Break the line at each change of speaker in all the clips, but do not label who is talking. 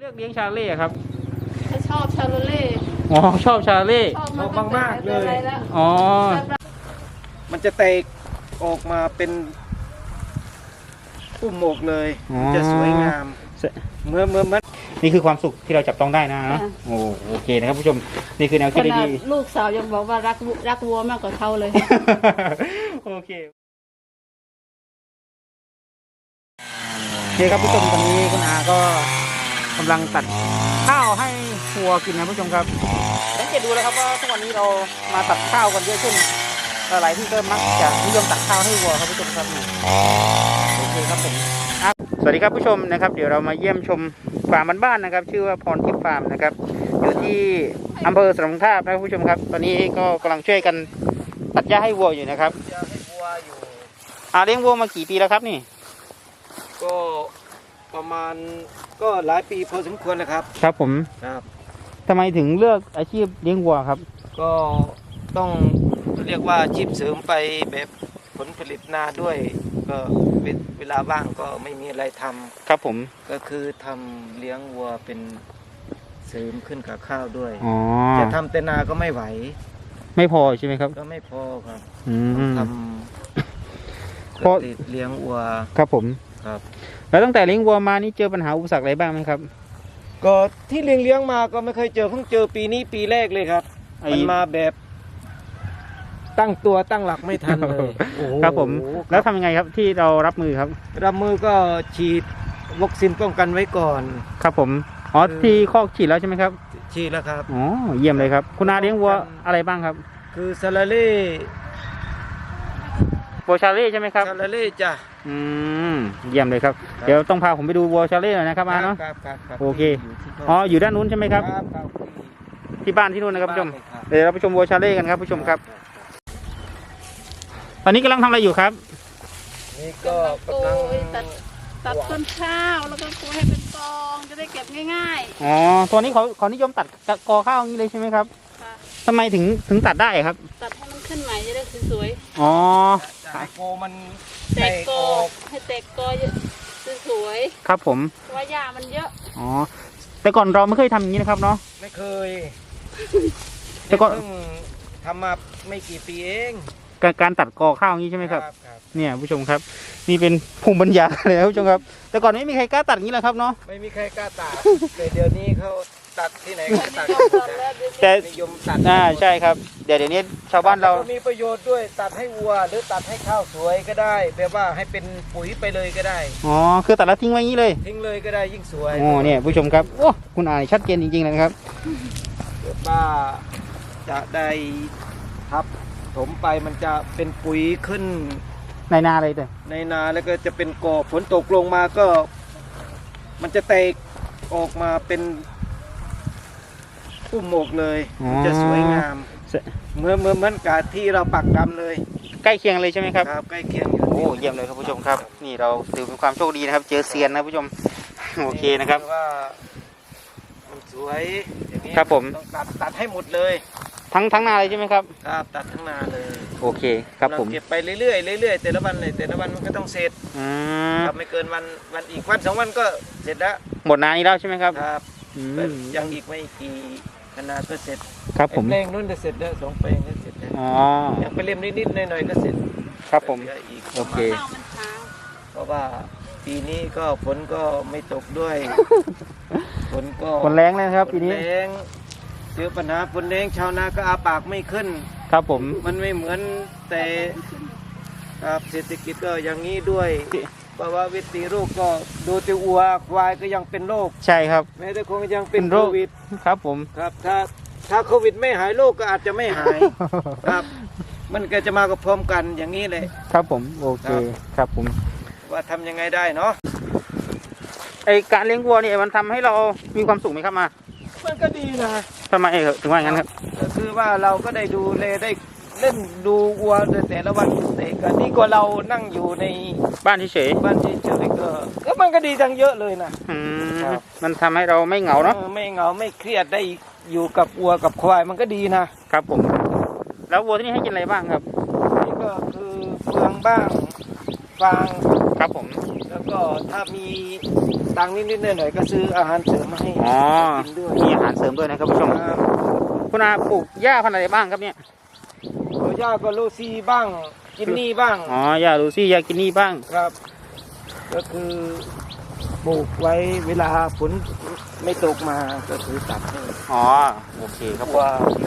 เลือกเลี้ยงชาเล่ครับ
ชอบชาเล่
อ๋อชอบชาเล่
ชอบมากเลย
อ๋อ
มันจะแตกออกมาเป็นปุ่มหมกเลยจะสวยงามเมื่อ
นี่คือความสุขที่เราจับต้องได้นะโอเคนะครับผู้ชมนี่คือแนวคิดดี
ลูกสาวยังบอกว่ารักวัวมากกว่าเขาเลย
โอเคครับผู้ชมตอนนี้คุณอาก็กำลังตัดข้าวให้วัวกินนะผู้ชมครับสังเกตดูแล้วครับว่าทุกวันนี้เรามาตัดข้าวกันเยอะขึ้นหลายที่ก็มักจะนิยมตัดข้าวให้วัวครับผู้ชมครับโอเคครับผมสวัสดีครับผู้ชมนะครับเดี๋ยวเรามาเยี่ยมชมฟาร์มบ้านๆนะครับชื่อว่าพรทิพย์ฟาร์มนะครับอยู่ที่อำเภอสรทาบนะครับผู้ชมครับตอนนี้ก็กำลังช่วยกันตัดหญ้าให้วัวอยู่นะครับเลี้ยงวัวมากี่ปีแล้วครับนี่
ก็ประมาณก็หลายปีพอสมควรนะครับ
ครับผม
ครับ
ทำไมถึงเลือกอาชีพเลี้ยงวัวครับ
ก็ต้องเรียกว่าอาชีพเสริมไปแบบผลผลิตนาด้วยก็เวลาว่างก็ไม่มีอะไรทำ
ครับผม
ก็คือทำเลี้ยงวัวเป็นเสริมขึ้นกับข้าวด้วยจะทำแต่นาก็ไม่ไหว
ไม่พอใช่ไหมครับ
ก็ไม่พอครับทำ
เพราะ
เลี้ยงวัว
ครับผม
ครับ
แล้วตั้งแต่เลี้ยงวัวมานี่เจอปัญหาอุปสรรคอะไรบ้างไหมครับ
ก็ที่เลี้ยงมาก็ไม่เคยเจอเพิ่งเจอปีนี้ปีแรกเลยครับมันมาแบบตั้งตัวตั้งหลักไม่ทันเลย
ครับผมแล้วทำยังไงครับที่เรารับมือครับ
รับมือก็ฉีดวัคซีนป้องกันไว้ก่อน
ครับผมที่คอกฉีดแล้วใช่ไหมครับ
ฉีดแล้วครับ
เยี่ยมเลยครับคุณอาเลี้ยงวัวอะไรบ้างครับ
คือซาลาเล่
วัวชาเล่ใช่ไหมครับ
ซาลาเล่จ้ะ
เยี่ยมเลยครับเดี๋ยวต้องพาผมไปดูวัวชาเล่หน่อยนะครับอาเนาะโอเคอยู่ด้านนู้นใช่ไหมครับที่บ้านที่นู้นนะครับผู้ชมเดี๋ยวเราไปชมวัวชาเล่กันครับผู้ชมครับตอนนี้กำลังทำอะไรอยู่ครับ
นี่ก็กำลัง
ตัดต้นข้าวแล้วก็คูให้เป็นกองจะได้เก็บง่าย
ๆตัวนี้เขานิยมตัดกอข้าวอย่างนี้เลยใช่ไหมครับทำไมถึงตัดได้ครับ
ตัดให้มันขึ้นใหม่จะได้สวย
แต่โกมัน
แตกกอให้แตกกอสวย
ครับผม
เพราะว่าหญ้ามันเยอะ
แต่ก่อนเราไม่เคยทำอย่างนี้นะครับเนาะ
ไม่เคยแต่ก่อนทำมาไม่กี่ปีเอง
การตัดกอข้าวอย่างนี้ใช่ไหมครับเนี่ยผู้ชมครับนี่เป็นภูมิปัญญาเลยครับผู้ชมครับแต่ก่อนไม่มีใครกล้าตัดอย่างนี้แหละครับเนาะ
ไม่มีใครกล้าตัดแต่เดี๋ยวนี้เขาตัดที่ไหนก็ตัด
แต่
นิยมตัด
ใช่ครับเดี๋ยวนี้ชาวบ้านเรา
มีประโยชน์ด้วยตัดให้วัวหรือตัดให้ข้าวสวยก็ได้แบบว่าให้เป็นปุ๋ยไปเลยก็ได้
คือตัดแล้วทิ้งไว้อย่างนี้เลย
ทิ้งเลยก็ได้ยิ่งสวย
เนี่ยผู้ชมครับคุณอ่านชัดเจนจริงๆเลยครับ
ป้าจะได้ทับถมไปมันจะเป็นปุ๋ยขึ้น
ในนาเลย
ในนาแล้วก็จะเป็นกอฝนตกลงมาก็มันจะแตกออกมาเป็นปุ่มหมกเลยจะสวยงามเหมือนกับที่เราปักดำเลย
ใกล้เคียงเลยใช่ไหมครับ
ครับใกล้เคียงอยู่
เยี่ยมเลยครับผู้ชมครับนี่เราถือเป็นความโชคดีนะครับเจอเซียนนะผู้ชมโอเคนะครับ
ว่ามันสวยอย่างนี้
ครับผม
ต้องตัดให้หมดเลย
ทั้งนาเลยใช่ไหมครับ
ครับตัดทั้งนาเลย
โอเคครับผม
เก็บไปเรื่อยๆแต่ละวันมันก็ต้องเสร็จครับไม่เกินวันอีกวัน2 วันก็เสร็จแล้ว
หมดนานี้แล้วใช่ไหมครับ
ครับยังอีกไม่กี่นาก็เสร็จ
ครับผม
แปลงนู้นจะเสร็จแล้ว2 แปลงก็เสร็จแล้วยังไปเล่มนิดๆหน่อยๆก็เสร็จ
ครับผมโอเค
เพราะว่าปีนี้ก็ฝนก็ไม่ตกด้วย
ฝนแรงเลยครับปีนี้
แรงเจอปัญหาฝนแรงชาวนาก็อาปากไม่ขึ้น
ครับผม
มันไม่เหมือนแต่ครับเศรษฐกิจก็อย่างนี้ด้วยเพราะว่าวิธีโรคก็ดูติวัวควายก็ยังเป็นโรค
ใช่ครับ
แม้แต่คงยังเป็นโควิด
ครับผม
ครับถ้าโควิดไม่หายโรคก็อาจจะไม่หายครับมันก็จะมากับพร้อมกันอย่างนี้เลย
ครับผมโอเคครับผม
ว่าทำยังไงได้เนาะ
การเลี้ยงวัวนี่มันทำให้เรามีความสุขไหมครับ
มันก็ดีนะ
ทำไมถึงว่างั้นครับ
ก็คือว่าเราก็ได้ดูแลได้เล่นดูวัวแต่ละวันแต่ก็ดีกว่าเรานั่งอยู่ใน
บ้านเฉย
ก็มันก็ดีทั้งเยอะเลยนะ
มันทำให้เราไม่เหงาเนาะ
ไม่เหงาไม่เครียดได้อยู่กับวัวกับควายมันก็ดี
นะครับผมแล้ววัวที่นี่ให้กินอะไรบ้างครับ
นี่ก็คือเฟืองบ้างฟาง
ครับผม
แล้วแล้วก็ถ้ามีตังค์นิดๆหน่อยๆก็ซื้ออาหารเสริมมาให้
อ๋อ
กินด้วย
มีอาหารเสริมด้วยนะครับผู้ชม
ครับ
คุณอาปลูกหญ้าพันธุ์อะไรบ้างครับเนี่ย
ตัวย่าก็โลซีบ้างกินนี่บ้าง
อ๋อหญ้าลูซี่หญ้ากินนี่บ้าง
ครับ ก็คือปลูกไว้เวลาฝนไม่ตกมาก็คือตัดให้
อ๋อโอเคครับ
ว่า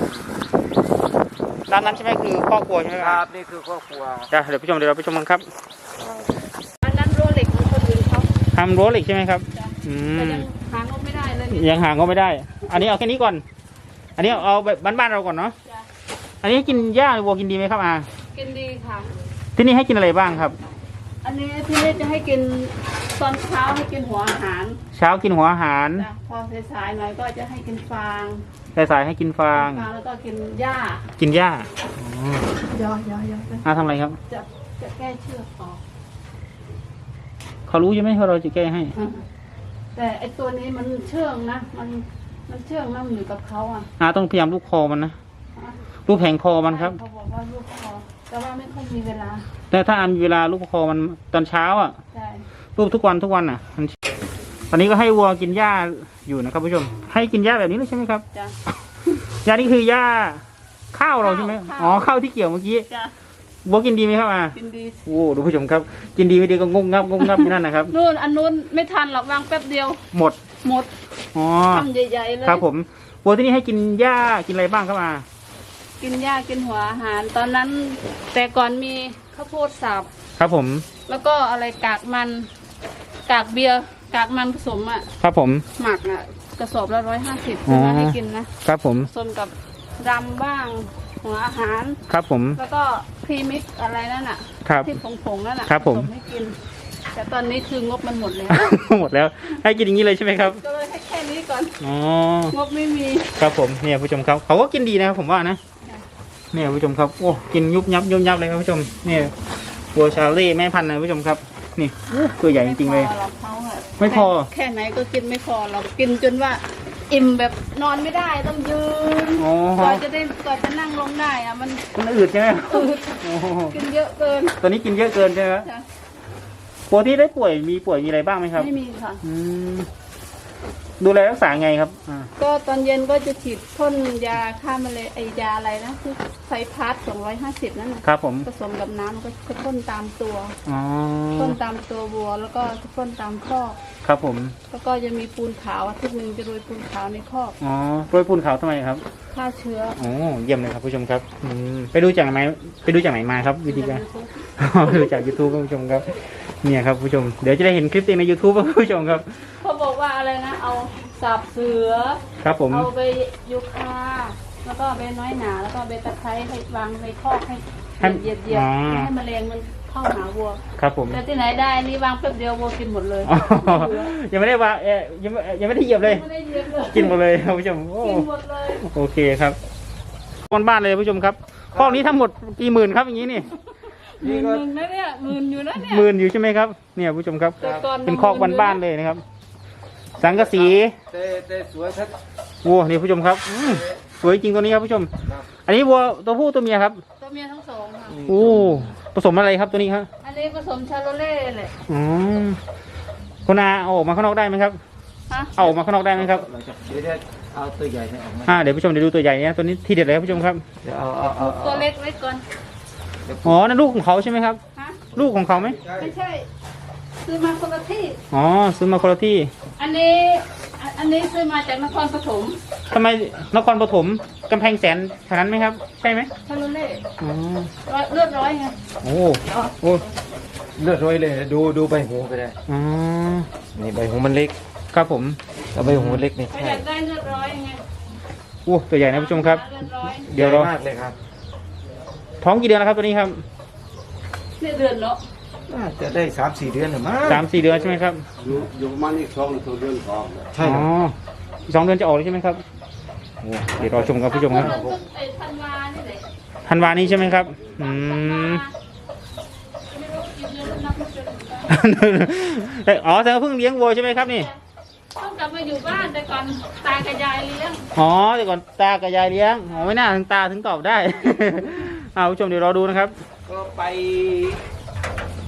ด้านนั้นใช่ไหมคือครอบครัวใช่ไหม
ค
ค
รั
รั
บบ นี่คือครอบครัว
จ้ะเดี๋ยวผู้ชมเดี๋ยวเราไปชมกันครับ
อันนั้นรั้วเหล็กของคนอื่นเขา
ทำรั้วเหล็กใช่ไหมครับ
จ้ะ
อื
แต่
ม
ยังหางบไม่ได้เลยเนี่ย
ยังหาก็ไม่ได้ อันนี้เอาแค่นี้ก่อน อันนี้เอาแบบบ้านๆเราก่อนเนาะ
จ้ะ
อันนี้กินหญ้าหรือวัวกินดีไหมครับอา
กินดีค่ะ
ที่นี่ให้กินอะไรบ้างครับ
อันนี้พี่เล็กจะให้กินตอนเช้าให้กินหัวอาหาร
เช้ากินหัวอาหาร
จ้ะพอสายๆหน่อยก็จะให้กินฟาง
สายๆให้กินฟาง
แล้วก็กินหญ้า
กินหญ้า
ย่อย่อย่อ
ทำอะไรครับ
จะแก้เชือกออก
เขารู้ใช่ไหมว่าเราจะแก้ให้
แต่ไอตัวนี้มันเชื่องนะมันเชื่องนะมันอยู่กับเขาอ่ะ
ต้องพยายามลูกคอมันนะลูกแผงคอมันครับ
เขาบอกว่าลูกคอแต่ว่าไม่ค่อยมีเวลา
แต่ถ้ามีเวลาลูกคอมันตอนเช้าอ่ะ
ใช่
ลูกทุกวันอ่ะตอนนี้ก็ให้วัวกินหญ้าอยู่นะครับผู้ชม ให้กินหญ้าแบบนี้เลยใช่ไหมครับ
จ้ะ
หญ้านี่คือหญ้าข้าวเราใช่ไหม
ข้าว
อ๋อข้าวที่เกี่ยวเมื่อกี้
จ้ะ
วัวกินดีไหมครับอา
กินดี
โอ้ดูผู้ชมครับ กินดีไม่ดีก็งงงับอยู่นั่นนะครับ
นู่นอันนู้นไม่ทันหรอกวางแป๊บเดียว
หมด
หมด
อ๋อ
ทำใหญ่ๆเลย
ครับผมวัวที่นี่ให้กินหญ้ากินอะไรบ้างครับอา
กินหญ้ากินหัวอาหาร ตอนนั้น แต่ก่อนมีข้าวโพดสับ
ครับผม
แล้วก็อะไรกากมัน กากเบียร์กากมันผสมอ่ะ
ครับผม
หมักอ่ะกระสอบละ150
อ๋อ
ซื้อมาให้กินนะครับ
ผม
ผสมกับรำบ้างหัวอาหาร
ครับผม
แล้วก็พรีมิกซ์อะไรนั่นน่ะ
ครับ
ที่ผงๆนั่นน่ะ
ครับผม
ผสให้กิน แต่ตอนนี้คืองบมันหมดแล้ว
หมดแล้วให้กินอย่างนี้เลยใช่ไหมครับ
ก็เลยให้แค่นี้ก่อน
อ๋อ
งบไม่มี
ครับผมเนี่ยผู้ชมครับเขาก็กินดีนะครับผมว่านะเนี่ยผู้ชมครับโอ้กินยุบยับเลยครับผู้ชมเนี่ยวัวชาเล่แม่พันธุ์นะผู้ชมครับนี่ตัวใหญ่จริงๆเลย
ไม่พอหรอกเขาอะ
ไม่พอ
แค่ไหนก็กินไม่พอเรากินจนว่าอิ่มแบบนอนไม่ได้ต้องยืน
อ๋อก
ว่าจะนั่งลงได้อะมัน
มันอืดใช่ไหม
อืด
โอ้โห
กินเยอะเกิน
ตัวนี้กินเยอะเกินใช่ไหมครับ
จ้ะ
วัวที่ได้ป่วยมีอะไรบ้างไหมครับ
ไม่มีค่ะ
อืมดูแลรักษาไงครับ
ก็ตอนเย็นก็จะฉีดพ่นยาฆ่าแมลงไอยาอะไรนะคือไซพาร์ท250นั่นนะครับ
ผม
ผสมกับน้ำก็จะพ่นตามตัว
อ๋อ
พ่นตามตัววัวแล้วก็จะพ่นตามคอก
ครับผม
แล้วก็จะมีปูนขาวอาทิตย์หนึ่งจะโรยปูนขาวในคอก
อ๋อโรยปูนขาวทำไมครับ
ฆ่าเชื้อ
โอ้เยี่ยมเลยครับผู้ชมครับไปดูจากไหนมาครับวิธีการ ดูจาก YouTube ครับผู้ชมครับเนี่ยครับผู้ชมเดี๋ยวจะได้เห็นคลิปเองใน YouTube ครับผู้ชมครับ
เขาบอกว่าอะไรนะเอาสับเสือ
ครับผม
เอาไปยูคาแล้วก็เอาไปน้อยหนาแล้วก็เอาไปตะไคร้ให้วางในคอกให้เหยียดไม่ให้แมลงมันเข้าหาวัว
ครับผม
แต่ที่ไหนได้นี่วางแป๊บเดียววัวกินหมดเลย
อ๋อยังไม่ได้ว่ายังไม่ได้เหยียบเลย
ไม่ได้เหยียบเลย
กินหมดเลยครับผู้ชมโอ้
กินหมดเลย
โอเคครับบ้านเลยผู้ชมครับคอกนี้ทั้งหมดกี่หมื่นครับอย่างนี้นี่
หมื่นหนึ่งนะเนี่ยหมื่นอยู่นะเนี่ย
หมื่นอยู่ใช่ไหมครับเนี่ยผู้ชมครับ
แต่ก่อน
เป็นคอกบ้านๆเลยนะครับ สังกะสี
แต่สวยชัด
วัวนี่ผู้ชมครับสวยจริงตัวนี้ครับผู้ชม อันนี้วัวตัวผู้ตัวเมียครับ
ตัวเมียทั้งสองค่ะ
โอ้ผสมอะไรครับตัวนี้ครับ
อันนี้ผสมชาโลเล่แหละ
อ๋อคุณอาเอาออกมาข้างนอกได้ไหมครับ
ฮะ
เอาออกมาข้างนอกได้ไหมครับ
เราจะเดี๋ยวเอาตัวใหญ่ให้ออกมา
เดี๋ยวผู้ชมเดี๋ยวดูตัวใหญ่เนี่ยตัวนี้ทีเด็ดเลยครับผู้ชมครับ
เดี๋ยวเอา
ตัวเล็กไว้ก่อน
อ๋อนั่นลูกของเขาใช่ไหมครับ
ฮะ
ลูกของเขาไหม
ไม่ใช่ซื้อมาคนละที่
อ๋อซื้อมาคนละที่
อันนี้ซื้อมาจากนครปฐม
ทำไมนครปฐมกำแพงแสนแถวนั้นไหมครับใช่ไหม
ชาโลเล่
อ๋อ
เลือดร้อยไง
โอ้โอ้
เลือดร้อยเลยดูใบหูก็ได้
อ๋อ
นี่ใบหูมันเล็ก
ครับผม
แล้วใบหูเล็กนี่
ใคร
ใช่
อยากได้เลือดร้อยไง
โอ้ตัวใหญ่นะผู้ชมครับ
เลือดร้อย
เดี๋ยวรอ
มากเลยครับ
ท้องกี่เดือนแล้วครับตัวนี้ครับ
เนี่ยเดือนเนาะ
น่าจะได้3-4 เดือนหรือมั้ง
3-4 เดือนใช่ไหมครับ
อยู่ประมาณอีก2 เดือนพอ
ใช่
อ๋
ค
อ
รับ
อีก2 เดือนจะออกเลยใช่ไหมครับโอ้เดี๋ยวรอชมครับผู้ชมครับ
ไอ้ธันวานี่แหละ
ธันวานี้ใช่ไหมครับ
ธันวาไม่รู้กี่เดือนนับไม่เป็น
อ๋อแต่ว่าเพิ่งเลี้ยงวัวใช่ไหมครับนี่
ต้องกลับมาอยู่บ้านแต่ก่อนตากับยายเลี้ยง
อ๋อแต่ก่อนตากับยายเลี้ยงอ๋อไม่น่าถึงตาถึงตอบได้ ผู้ชมเดี๋ยวรอดูนะครับ
ก็ไป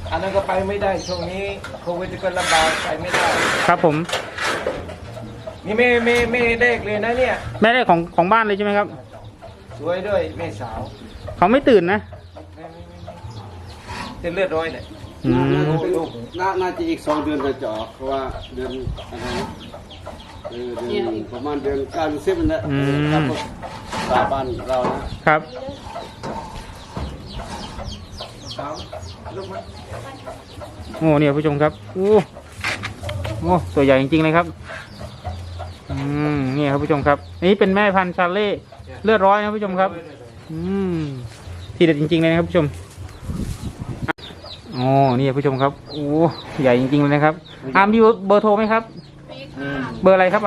อันนั้นก็ไปไม่ได้ช่วงนี้โควิดก็ลำบากไปไม่ได้
ครับผม
นี่ไม่เด็กเลยนะเนี่ย
แม่ได้ของบ้านเลยใช่ไหมครับ
สวยด้วยแม่สาว
เขาไม่ตื่นนะ
จะเลือดร้อยเนี่ย
อืม
น่าจะอีก2 เดือนจะออกเพราะว่าเดือนอะไรนะเดือนประมาณเดือน9 เดือน10นั่นแหละครับตาบ้านเรานะครับ
สาวลูกมัน
โอ้เนี่ยผู้ชมครับโอ้ตัวใหญ่จริงๆเลยครับนี่ครับผู้ชมครับอันนี้เป็นแม่พันธุ์ชาเล่เลือดร้อยนะผู้ชมครับที่เด็ดจริงๆเลยนะครับผู้ชมอ๋อนี่ผู้ชมครับโอ้ใหญ่จริงๆเลยนะครับมีเบอร์โทรไหมครับ
มีค่ะ
เบอร์อะไรครับ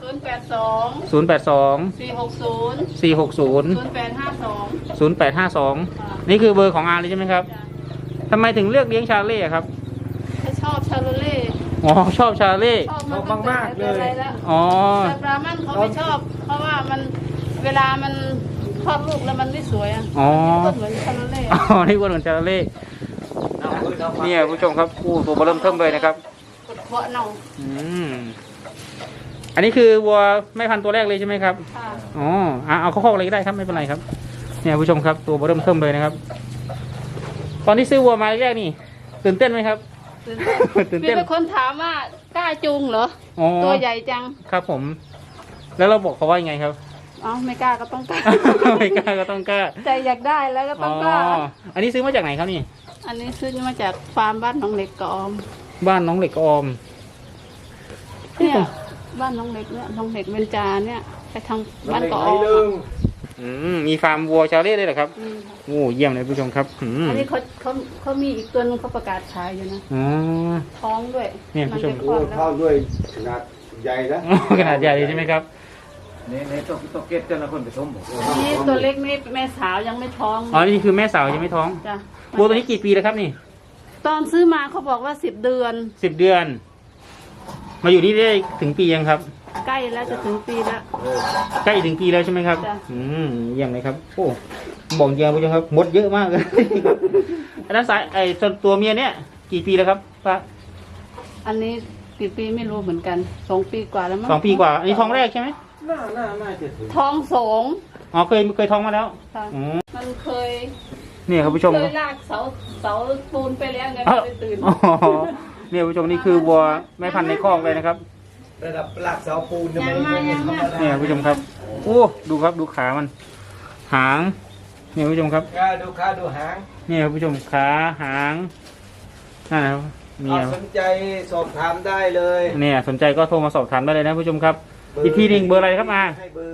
082
082
460
460
0852
นี่คือเบอร์ของเลยใช่ไหมครับทำไมถึงเลือกเลี้ยงชาเล่ครับ
ถ้าชอบชาโลเล่
อ๋อชอบชาเล่
ชอบมันมากๆเลยแล้ว
อ๋อ
แต่บรามันเขาไม่ชอบ เพราะว่ามันเวลามันคลอดลูกแล้วมันไม่สวยอ่ะ
อ๋อ
มันเหมือนชาโลเล่
อ๋อนี่วัวเหมือนชาเล่เนี่ยผู้ชมครับตัวเริ่มเทิมเลยนะครับ
กดเคาะเน่า
อันนี้คือวัวแม่พันธุ์ตัวแรกเลยใช่ไหมครับ
ค่ะ
อ๋อเอาเข้าคอกเลยก็ได้ครับไม่เป็นไรครับเนี่ยผู้ชมครับตัวเริ่มเทิมเลยนะครับ ตอนที่ซื้อวัวมาแรกนี่ตื่นเต้นไหมครับ ตื่น
มี
เต้น
เป็นคนถามว่ากล้าจูงเหรอ
อ๋อ
ตัวใหญ่จัง
ครับผม แล้วเราบอกเขาว่ายังไงครับ
อ๋อไม่กล้าก็ต้องกล้า
ไม่กล้าก็ต้องกล้า
ใจอยากได้แล้วก็ต้องกล้า
อันนี้ซื้อมาจากไหนครับนี่
อันนี้ซื้อมาจากฟาร์มบ้านน้องเล็กกบออม
บ้านน้องเหล็กออม
เนี่ยบ้านน้องเล็กเนี่ยน้องเล็กเบญจาเนี่ยไปทางบ้านกบออม
มีฟาร์มวัวชาเล่ด้วยเหรอครับ
อืม
โอ้เยี่ยมเลยผู้ชมครับ
อันนี้เขามีอีกตัวนึงเขาประกาศขายอยู่นะ
อ๋อ
ท้องด้วย
เนี่ยผู้ชม
นจะค
โอ้
ลอดแล้ว
เข้าด้วยขนาดใหญ่นะ
ขนาดใหญ่เลยใช่ไหมครับ
ในตัวเก็ตเจ้าหน้าคนผสมบอก
นี่ตัวเล็กนี่แม่สาวยังไม่ท้อง
อ๋อ นี่คือแม่สาวยังไม่ท้อง
จ้ะ
วัวตัวนี้กี่ปีแล้วครับนี่
ตอนซื้อมาเขาบอกว่า10 เดือน
10 เดือน มาอยู่นี่ได้ถึงปียังครับ
ใกล้แล้วจะถึงปีแล้ว
ใกล้ถึงปีแล้วใช่ไหมครับ
จ้ะ
เยี่ยมเลยครับ โอ้บอกจริงๆผู้ชมครับมดเยอะมากเลย อันนั้นสายส่วนตัวเมียเนี่ยกี่ปีแล้วครับป้า
อันนี้กี่ปีไม่รู้เหมือนกัน2 ปีกว่าแล้วมั้ง
2 ปีกว่า อันนี้ท้องแรกใช่ไหม
น่าจะถึง
ท้องสอง
อ๋อเคยท้องมาแล้ว
ค่ะ
อ๋อ
มันเคย
เนี่ยครับผู้ชม
เค
ครั
ย
บ
ลากเสาปูนไปแล้วไง
อ้าว
ไม่ตื่น
อ๋อเนี่ยผู้ชมนี่คือวัวแม่พันธุ์ในคอกเลยนะครับ
ระดับหลักเสาปูน
ยังมายังมา
เนี่ยผู้ชมครับ โอ้ดูครับดูขามัน หาง เนี่ยผู้ชมครับ
ขาดูหาง
เนี่ยผู้ชมขาหางนั่นนะครับเนี่ย
สนใจสอบถามได้เลย
เนี่ยสนใจก็โทรมาสอบถามได้เลยนะผู้ชมครับ อีกทีหนึ่งเบอร์อะไรครับมา
ให้เบอร์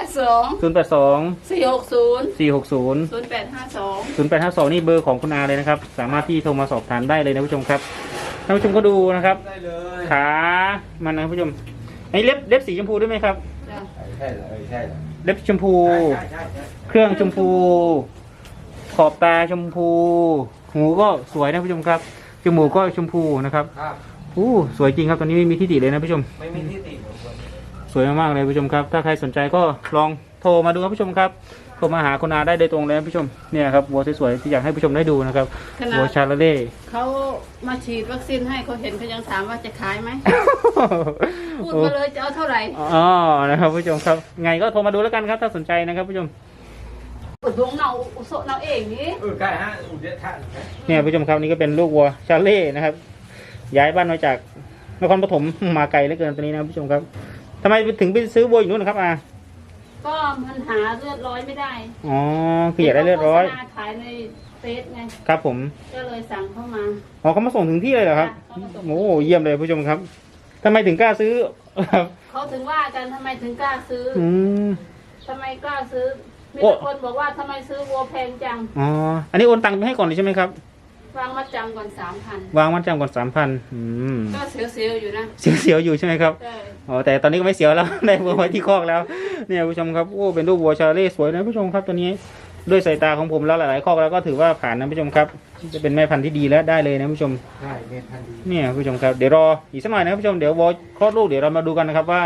082 460
460
0852
0852นี่เบอร์ของคุณอาเลยนะครับ สามารถที่โทรมาสอบถามได้เลยนะผู้ชมครับท่านผู้ชมก็ดูนะครับ
ได้เลย
ขามันนะผู้ชมไอ้เล็บสีชมพูด้วยไหมครับ
จ้ะ
ใช่เลยใช่เลย
เล็บชมพู
ใช่
เครื่องชมพู ขอบตาชมพู หูก็สวยนะผู้ชมครับ จมูกก็ชมพูนะครับ
ครับ
สวยจริงครับตอนนี้ไม่มีที่ติเลยนะผู้ชม
ไม่มีที่ติของคน
สวยมากๆเลยผู้ชมครับ ถ้าใครสนใจก็ลองโทรมาดูครับผู้ชมครับ โทรมาหาคุณอาได้โดยตรงเลยนะผู้ชม เนี่ยครับวัวสวยๆที่อยากให้ผู้ชมได้ดูนะครับ
ขนา
วัว
ด
ชาลาเล่
เขามาฉีดวัคซีนให้เขาเห็นเขายังถามว่าจะขายไหม พูดมาเลยจะเอาเท่าไหร่
อ๋อ นะครับผู้ชมครับ ไงก็โทรมาดูแล้วกันครับถ้าสนใจนะครับผู้ชม
อุดวงเนาอุโสเนาเองนี่
ใกล้ฮะอุดรธานี
เนี่ยผู้ชมครับนี่ก็เป็นลูกวัวชาเล่นะครับ ย้ายบ้านมาจากนครปฐมมาไกลเหลือเกินตอนนี้นะผู้ชมครับทำไมถึงไปซื้อวัวอยู่นู้นนะครับอา
ก็มันหาเลือดร้อยไม่ได้
อ๋อคืออยากได้เลือดร้อย
โฆษณาขายในเฟซไง
ครับผม
ก็เลยสั่งเข้ามา
อ๋อเขามาส่งถึงที่เลยเหรอครับ
เขามาส่ง
โอ้เยี่ยมเลยผู้ชมครับทำไมถึงกล้าซื้อครับ
เขาถึงว่ากันทำไมถึงกล้าซื้อ
อืม
ทำไมกล้าซื้อ มี
โอ้
แต่คนบอกว่าทำไมซื้อวัวแพงจัง
อ๋อ อันนี้โอนตังค์ไปให้ก่อนเลยใช่ไหมครับ
วางมัดจำก่อน 3,000
วางมัดจำก่อน3,000
ก็เสียวๆอยู่นะ
เสียวๆอยู่ใช่ไหมครับ
ใช่
อ๋อแต่ตอนนี้ก็ไม่เสียวแล้ว ได้วัวไว้ที่คอกแล้ว เนี่ยผู้ชมครับโอ้เป็นรูปวัวชาเล่สวยนะผู้ชมครับตัวนี้ด้วยสายตาของผมแล้วหลายๆคอกแล้วก็ถือว่าผ่านนะผู้ชมครับจะเป็นแม่พันธุ์ที่ดีแล้วได้เลยนะผู้ชม
ใช่เมทันดี
เนี่ยผู้ชมครับเดี๋ยวรออีกสักหน่อยนะผู้ชมเดี๋ยววัวคลอดลูกเดี๋ยวเรามาดูกันนะครับว่า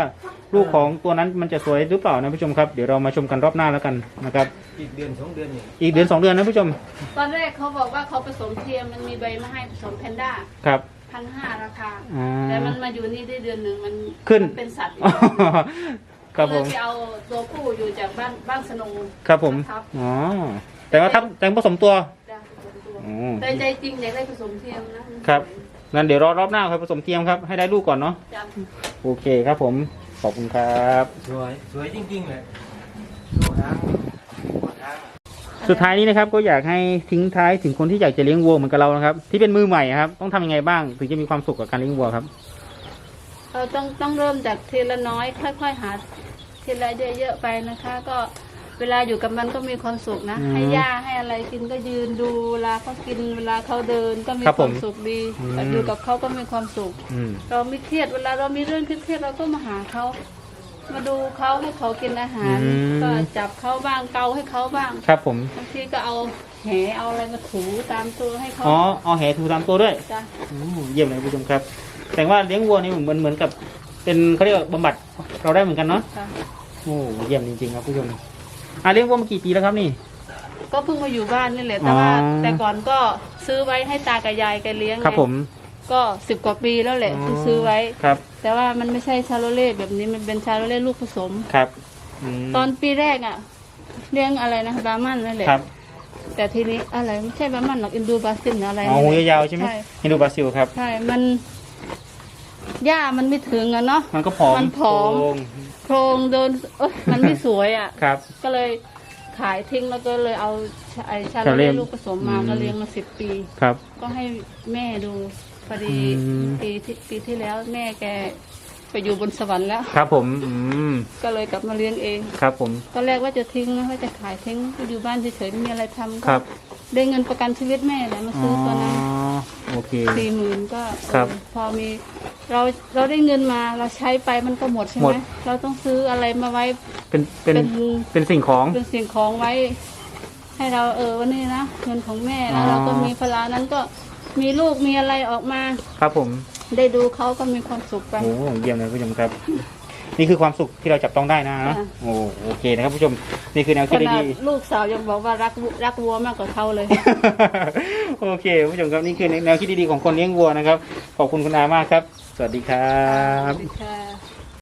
ลูกของตัวนั้นมันจะสวยหรือเปล่านะผู้ชมครับเดี๋ยวเรามาชมกันรอบหน้าแล้วกันนะครับ
อีกเดือน2 เดือนนี่
อีกเดือน2 เดือนนะผู้ชม
ตอนแรกเขาบอกว่าเขาผสมเทียมมันมีใบมาให้ผสมแพนด้า
ครับ
1,500ราคา
อ่า
แต่มันมาอยู่นี่ได้เดือนหนึ่งมัน
ขึ้น
มัเป็นสัตว์อีก
ครับผม
ก็เลยไปเอาตัวผู้อยู่จากบ้านสนง
ครับผม
ครับ
อ๋อแต่ว่าแต่งผสมตัว
จ้ะผสมตัว
อ๋อ
แต่ใจจริงอยากได้ผสมเทียมนะครับ
งั้นเดี๋ยวรอบหน้าค่อยผสมเทียมครับให้ได้ลูกก่อนเนาะ
จ้ะ
โอเคครับผมขอบคุณครับ
สวยจริงๆเลยดูหางดูหาง
สุดท้ายนี้นะครับก็อยากให้ทิ้งท้ายถึงคนที่อยากจะเลี้ยงวัวเหมือนกับเรานะครับที่เป็นมือใหม่ครับต้องทำยังไงบ้างถึงจะมีความสุขกับการเลี้ยงวัวครับ
เราต้องเริ่มจากทีละน้อยค่อยๆหาทีละเยอะๆไปนะคะ ก็เวลาอยู่กับมันก็มีความสุขนะ ให้หญ้าให้อะไรกินก็ยืนดูเวลาเขากินเวลาเขาเดินก็มี
ครับ
ค
ผ
วาม มสุขดี
อืม
อยู่กับเขาก็มีความสุข
อืม
เราไม่เครียดเวลาเรามีเรื่องเครียดๆเราก็มาหาเขามาดูเขาให้เขากินอาหาร ก็จับเขาบ้างเกาให้เขาบ้าง
ครับผม
บางทีก็เอาแหเอาอะไรมาถูตามตัวให้เขา
อ๋อเอาแหถูตามตัวด้วย
จ้ะ
เยี่ยมเลยผู้ชมครับแต่ว่าเลี้ยงวัวนี่เหมือนกับเป็นเขาเรียกว่าบำบัดเราได้เหมือนกันเนาะ
จ้ะ
โอ้เยี่ยมจริงๆครับผู้ชมเลี้ยงวัวมากี่ปีแล้วครับนี่
ก็เพิ่งมาอยู่บ้านนี่แหละแต่ว่า
อ๋อ
แต่ก่อนก็ซื้อไว้ให้ตากับยายแกเลี้ยง
ครับ
ไง
ผม
ก็10 กว่าปีแล้วแหละที่ซื้อไว้
ครับ
แต่ว่ามันไม่ใช่ชาโลเล่แบบนี้มันเป็นชาโลเล่ลูกผสม
ครับม
ตอนปีแรกอ่ะเลี้ยงอะไรนะบาร์มันนั่นแหละ
ครับ
แต่ทีนี้อะไรไม่ใช่บาร์มันหรอกอินดูบาซิลอะไร
อ๋อ
นี่
หู
แหละ
ยาวๆใช่ไหมฮินดูบราซิลครับ
ใช่มันหญ้ามันไม่ถึงอะเนาะ
มันก็ผอม
มันผอม
โครง
โครงเดินมันไม่สวยอ่ะ
ครับ
ก็เลยขายทิ้งแล้วก็เลยเอาไอชาโล
ชาโลเล่
เล่ลูกผสมมา
อืม
ก็เลี้ยงมา10 ปี
ครับ
ก็ให้แม่ดูพอดี
อืม
ปีที่แล้วแม่แกไปอยู่บนสวรรค์แล้ว
ครับผม
ก็เลยกลับมาเลี้ยงเอง
ครับผม
ตอนแรกว่าจะทิ้งนะว่าจะขายทิ้งอยู่บ้านเฉยๆไม่มีอะไรทำ
ครั
ก็
บ
ได้เงินประกันชีวิตแม่แหละมาซื้อตัวนั้น
โอเค
40,000ก็
ครับ
พอมีเราได้เงินมาเราใช้ไปมันก็หมดใช่
หม
ไหม
ด
เราต้องซื้ออะไรมาไว้
เป็น
เป็น
เป็นสิ่งของ
เป็นสิ่งของไว้ ให้เราวันนี้นะเงินของแม่
อ๋
แล้ว
อ
เราก็มีพลานั้นก็มีลูกมีอะไรออกมา
ครับผม
ได้ดูเขาก็มีความสุขไป
โอ้เยี่ยมเลยผู้ชมครับ นี่คือความสุขที่เราจับต้องได้นะ
ค่ะ
โอเคนะครับผู้ชมนี่คือแนว
ข
คิด
นาด
ดี
ลูกสาวยังบอกว่ารักวัวมากกว่าเขาเลย
ๆ โอเคผู้ชมครับนี่คือแนวคิดดีๆของคนเลี้ยงวัวนะครับขอบคุณคุณอามากครับ สวัสดีครับ
สวัสดีค่ะ